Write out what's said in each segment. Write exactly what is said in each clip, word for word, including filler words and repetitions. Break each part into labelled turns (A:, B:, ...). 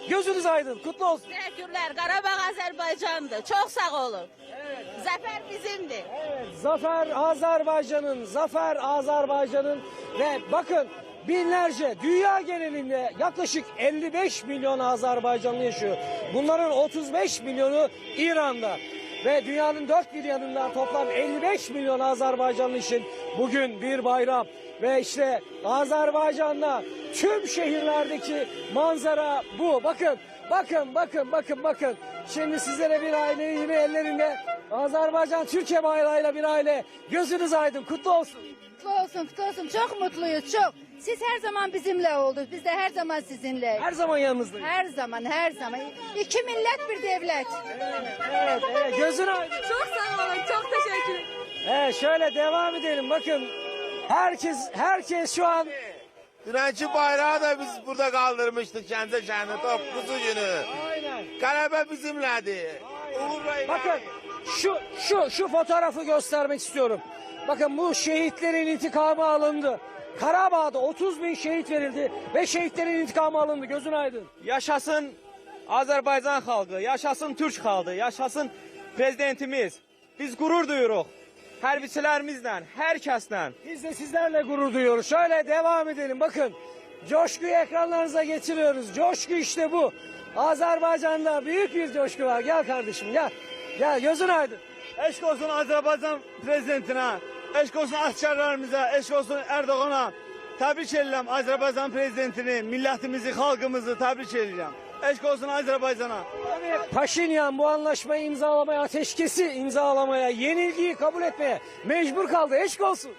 A: Gözünüz aydın. Kutlu olsun.
B: Teşekkürler. Karabağ Azerbaycan'dı. Çok sağ olun.
A: Evet.
B: Zafer bizimdi.
A: Evet, Zafer Azerbaycan'ın, Zafer Azerbaycan'ın ve bakın binlerce dünya genelinde yaklaşık elli beş milyon Azerbaycanlı yaşıyor. Bunların otuz beş milyonu İran'da ve dünyanın dört bir yanından toplam elli beş milyon Azerbaycanlı için bugün bir bayram. Ve işte Azerbaycan'da tüm şehirlerdeki manzara bu. Bakın, bakın, bakın, bakın, bakın. Şimdi sizlere bir aile yine ellerinde Azerbaycan Türkiye bayrağıyla bir aile. Gözünüz aydın, kutlu olsun.
C: Kutlu olsun, kutlu olsun. Çok mutluyuz, çok. Siz her zaman bizimle oldunuz. Biz de her zaman sizinle.
A: Her zaman yanınızdayız.
C: Her zaman, her zaman. İki millet bir devlet.
A: Evet, evet, gözün aydın.
B: Çok sağ olun. Çok teşekkür ederim.
A: Evet, şöyle devam edelim. Bakın, herkes, herkes şu an.
D: Dünenki bayrağı da biz burada kaldırmıştık Gəncə şəhərinin dokuzuncu günü.
A: Aynen.
D: Qələbə bizimlədir. Uğurla
A: Bakın, şu, şu, şu fotoğrafı göstermek istiyorum. Bakın bu şehitlerin intikamı alındı. Karabağ'da otuz bin şehit verildi ve şehitlerin intikamı alındı. Gözün aydın.
E: Yaşasın Azərbaycan xalqı, yaşasın Türk xalqı, yaşasın prezidentimiz. Biz qürur duyuruq hərbiçilərimizlə, hər kəslə.
A: Biz de sizlerle gurur duyuyoruz. Şöyle devam edelim. Bakın, coşkuyu ekranlarınıza getiriyoruz. Coşku işte bu. Azerbaycan'da büyük bir coşku var. Gel kardeşim gel. Gel gözün aydın.
E: Eşq olsun Azərbaycan prezidentinə, eşq olsun əsgərlərimizə, eşq olsun Erdoğana. Təbrik edirəm Azərbaycan prezidentini, millətimizi, xalqımızı təbrik edirəm. Eşq olsun Azərbaycana.
A: Paşinyan bu anlaşmayı imzalamaya, ateşkesi imzalamaya, yenilgiyi kabul etmeye mecbur kaldı. Eşk olsun.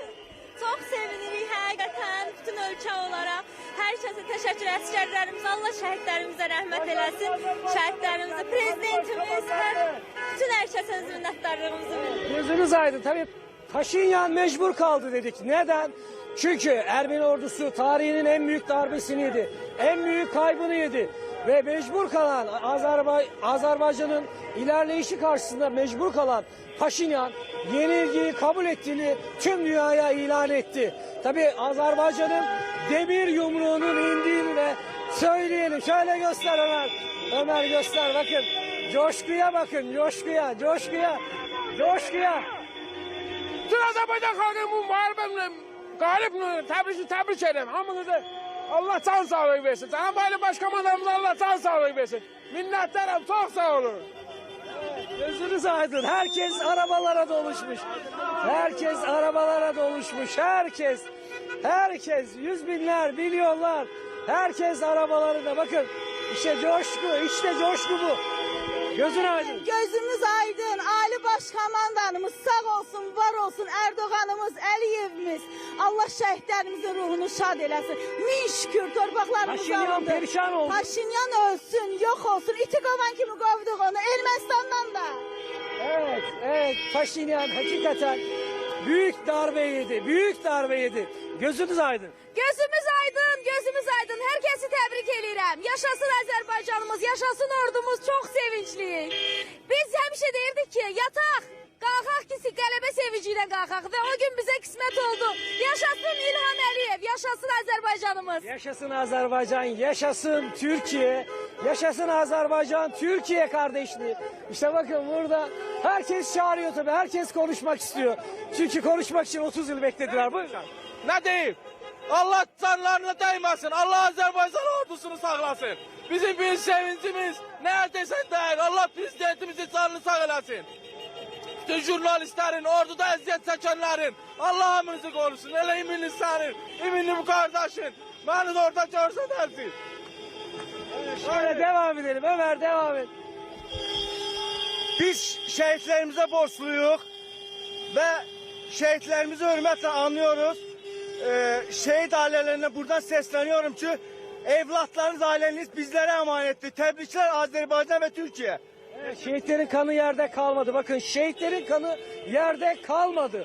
B: Çok sevinirik həqiqətən bütün ölkə olaraq. Hər kəsə təşəkkür əsgərlərimizə, Allah şəhidlərimizə rəhmət eləsin. Şəhidlərimizə, prezidentimiz, hər, bütün hər kəsə öz minnətdarlığımızı bildirir.
A: Gözünüz aydın. Tabii Paşinyan mecbur kaldı dedik. Neden? Çünkü Ermeni ordusu tarihinin en büyük darbesini yedi. En büyük kaybını yedi. Ve mecbur kalan Azerbay Azerbaycan'ın ilerleyişi karşısında mecbur kalan Paşinyan yenilgiyi kabul ettiğini tüm dünyaya ilan etti. Tabii Azerbaycan'ın demir yumruğunun indiğini de söyleyelim. Şöyle göster Ömer. Ömer göster bakın. Coşkuya bakın. Coşkuya, coşkuya, coşkuya.
F: Bütün Azerbaycan xalqı bu müharibəmlə qalib təbrik təbrik edirəm. Hamınızı Allah can sağlığı versin. Cənab Ali Başkomandanımıza Allah can sağlığı versin. Minnətdarım, çox sağ olun.
A: Gözünüz aydın. Herkes arabalara doluşmuş. Herkes arabalara doluşmuş. Herkes. Herkes. Yüz binler, milyonlar. Herkes arabalarında. Bakın. İşte coşku. İşte coşku bu. Gözün aydın.
B: Gözümüz aydın. Ali Başkomandanımız sağ olsun, var olsun. Erdoğanımız, Əliyevimiz. Allah şəhidlərimizin ruhunu şad eləsin. Min şükür torpaqlarımız
A: Paşinyan
B: alındı.
A: perişan oldu.
B: Paşinyan ölsün, yok olsun. İti kovan kimi qovduq onu. Ermənistandan da.
A: Evet. Evet. Paşinyan hakikaten büyük darbe yedi. Büyük darbe yedi. Gözünüz aydın.
C: Gözümüz aydın, gözümüz aydın. Herkesi tebrik ederim. Yaşasın Azerbaycanımız, yaşasın ordumuz. Çok sevinçliyik. Biz həmişə deyirdik ki, yataq, qalxaq ki, qələbə sevinciyle qalxaq. Ve o gün bize kısmet oldu. Yaşasın İlham Əliyev, yaşasın Azerbaycanımız.
A: Yaşasın Azerbaycan, yaşasın Türkiye, yaşasın Azerbaycan, Türkiye kardeşliği. İşte bakın burada herkes çağırıyor tabii, herkes konuşmak istiyor. Çünkü konuşmak için otuz yıl beklediler. Buyurun.
E: Nə deyim? Allah canlarına dəyməsin, Allah Azərbaycan ordusunu sağlasın. Bizim bir sevincimiz, nə desən deyək, Allah prezidentimizin canını sağ eləsin. Bütün jurnalistlərin, orduda əziyyət çəkənlərin, Allah hamınızı qorusun. Elə iminli sənin, iminli bu qardaşın, məni də orada görsədərsin.
A: Şöyle devam edelim, Ömer devam et.
E: Biz şəhidlərimizə borçluyuq və şəhidlərimizi hörmətlə anlıyoruz. Ee, şehit ailelerine buradan sesleniyorum ki evlatlarınız, aileniz bizlere emanettir. Tebrikler Azerbaycan ve Türkiye.
A: Evet, şehitlerin kanı yerde kalmadı. Bakın şehitlerin kanı yerde kalmadı.